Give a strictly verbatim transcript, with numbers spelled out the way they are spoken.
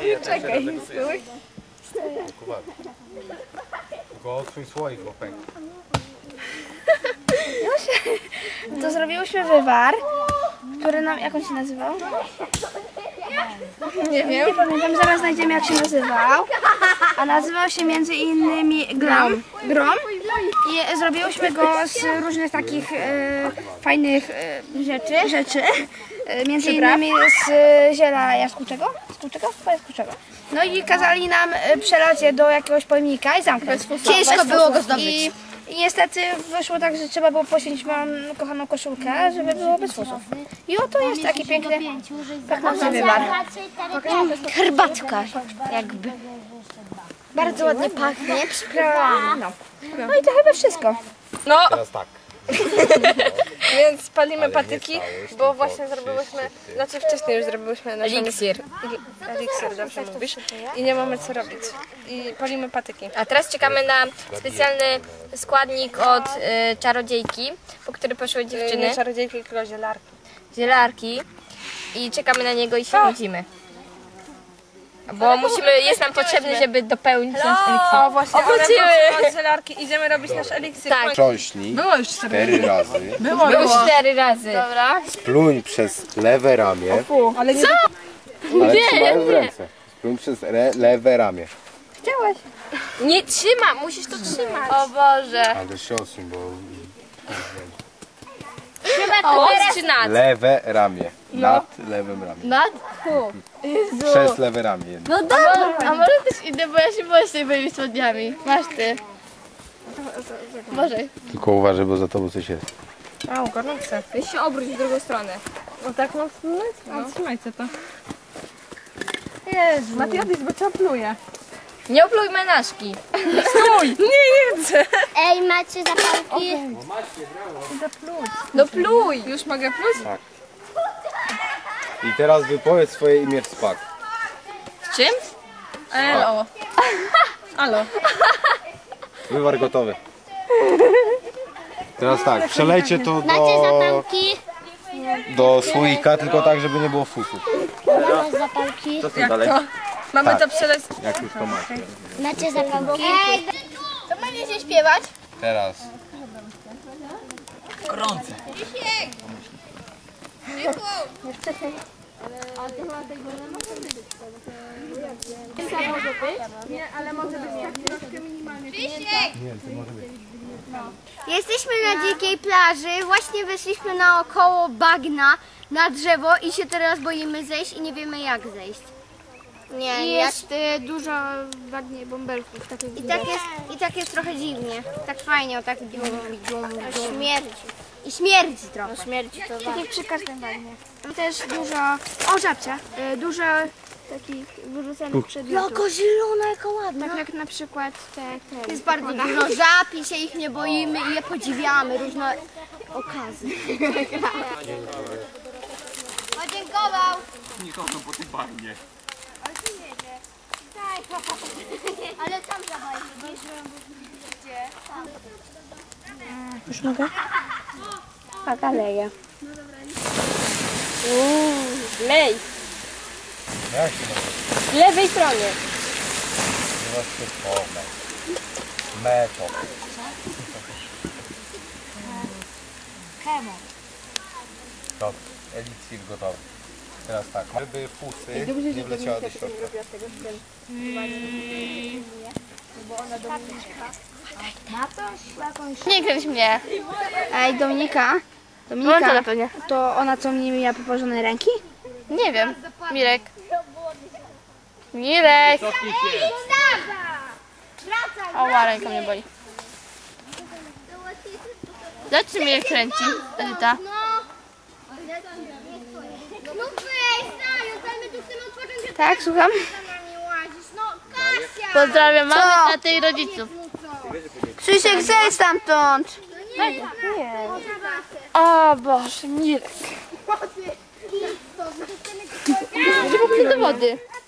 Czekaj, stój. Tylko otwórz słoik, bo pęk. To zrobiłyśmy wywar, który nam, jak on się nazywał? Nie wiem. Nie pamiętam, zaraz znajdziemy jak się nazywał. A nazywał się między innymi Grom. Grom. I zrobiłyśmy go z różnych takich e, fajnych e, rzeczy. rzeczy. E, między innymi z e, ziela jaskółczego. Jaskółczego? Chyba jaskółczego. No i kazali nam e, przelać je do jakiegoś pojemnika i zamknąć. Ciężko było go zdobyć. I, I niestety wyszło tak, że trzeba było poświęcić moją kochaną koszulkę, żeby było bez fusów. I oto jest taki piękny, pachnący wywar. Herbatka jakby. Bardzo ładnie pachnie. No. no i to chyba wszystko. No, Teraz tak. więc palimy Ale patyki, nie stałeś, bo tylko właśnie zrobiłyśmy, znaczy wcześniej już zrobiłyśmy nasz Eliksir. Eliksir, dobrze mówisz. I nie mamy co robić. I palimy patyki. A teraz czekamy na specjalny składnik od y, czarodziejki, po który poszły dziewczyny, Nie czarodziejki, tylko zielarki. zielarki. I czekamy na niego i się nudzimy. Bo musimy, jest nam potrzebny, żeby dopełnić nasz eliksir. O właśnie, Obrócimy. ale od zielarki idziemy robić nasz eliksir. Tak. Trząśnij cztery razy. Było cztery razy. Dobra. Spluń przez lewe ramię. Ale nie Ale trzymaj w ręce. Spluń przez re, lewe ramię. Chciałaś. Nie trzyma, musisz to trzymać. O Boże. Ale się osuń, bo... Pod czy nad? Lewe ramię. Nad lewym ramię. Nad? Przez lewe ramię. jedno. No dobra. A może też idę, bo ja się boję z tymi spodniami. Masz ty. Boże. Tylko uważaj, bo za tobą coś jest. Au, gorące. Weź się obróć w drugą stronę. No tak mam wspomnieć? No. Trzymajcie to. Jezu. Matiadis, bo cię pluje. Nie opluj menażki. Stój! Nie, nie chcę. Ej, macie zapałki? No pluj. Już mogę pluć? Tak. I teraz wypowiedz swoje imię w spak. Z czym? Elo. Alo. Wywar gotowy. Teraz tak, przelejcie to Macie do, zapałki? do słoika, tylko tak, żeby nie było fusów. Macie zapałki? Jak to? Mamy Tak. to przeleć. Jak już to macie. Macie zapałki? To będziecie śpiewać? Teraz. Jesteśmy na dzikiej plaży, właśnie weszliśmy naokoło bagna na drzewo i się teraz boimy zejść i nie wiemy jak zejść. Nie, I jest y, dużo bagnie bąbelków. Takich I tak jest, i tak jest trochę dziwnie. Tak fajnie, o tak dum, dum, dum. Śmierdzi. I śmierdzi trochę. śmierci to tak jak przy każdym bagnie. Tam też dużo, o żabcia, y, dużo takich wyrzucanych przedmiotów. Jaka zielona, jaka ładna. Tak jak na przykład te, te Jest bardzo dużo żab i się ich nie boimy i je podziwiamy, różne okazy. Podziękował. Nikogo po tym bagnie. Ale tam zawalił. Już mogę? Tak, aleja. Lej. Jak się nazywa? W lewej stronie. Meto. Dobrze, eliksir gotowy. Teraz tak, żeby fusy nie wleciały do środka. Nie kręć mnie. Ej, Dominika. Dominika, to ona co mnie miała położone ręki? Nie wiem. Mirek. Mirek. O, ręka mnie boli. Zobacz, czy mnie kręci, Edyta. No weź, Staniu, my tu chcemy odpocząć. Tak, słucham? No Kasia! Pozdrawiam mamę, tatę i rodziców. Krzysiek, zejdź stamtąd. Nie. O Boże, Mirek. Gdzie popłynie do wody?